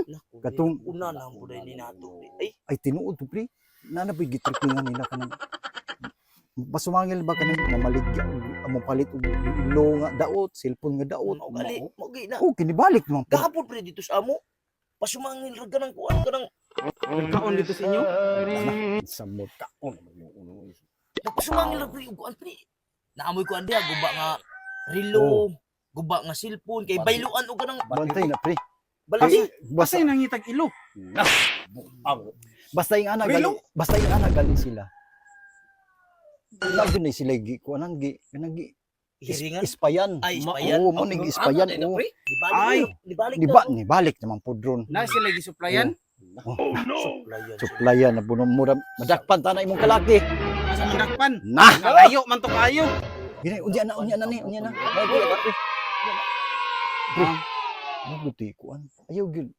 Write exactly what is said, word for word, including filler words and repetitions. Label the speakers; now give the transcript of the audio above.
Speaker 1: Naku,
Speaker 2: Katong-
Speaker 1: una na ang buday ni nato. Ay,
Speaker 2: Ay tinuod to pre. Nanapoy gitripingan nila kanang pasumangil ba kanang namaligya amo palit og ilo nga daot, cellphone nga daot.
Speaker 1: mao gali, mao gi na.
Speaker 2: Oh, kinibalik naman po.
Speaker 1: Gahapon pre dito sa amo. Pasumangil ra ganang kuan kanang
Speaker 3: Nagkaon dito sa inyo?
Speaker 2: Samot ka. Oh, uno.
Speaker 1: pasumangil ra pre ug kuan pre. Naamoy ko andiha guba nga relo, guba nga cellphone kay bayluan og kanang
Speaker 2: Bantay na pre.
Speaker 1: balasi.
Speaker 2: Basta
Speaker 3: Basta nangitag ilo.
Speaker 2: basta yung anak gali,
Speaker 3: Relo?
Speaker 2: basta yung anak gali sila. Lagi na sila gi ko anang gi kanang gi is-
Speaker 1: Hiringan.
Speaker 2: ispayan.
Speaker 1: Ay,
Speaker 2: Ma-
Speaker 1: ispayan.
Speaker 2: Oo, mo ning ispayan.
Speaker 1: Ano,
Speaker 2: Oo.
Speaker 1: pre? Dibalik
Speaker 3: Ay.
Speaker 1: na, dibalik
Speaker 2: Di ba ni balik naman po drone.
Speaker 3: Na sila gisuplayan.
Speaker 1: Suplayan.
Speaker 2: Suplayan na buno mura madakpan ta na imong kalaki.
Speaker 3: Sa manakpan.
Speaker 2: Nah,
Speaker 3: Nalayo man to kayo.
Speaker 2: gini unya na unya na ni, unya na. Ay, pre, pre.
Speaker 3: Ah,
Speaker 2: Mabuti ko an. Ayaw gyud.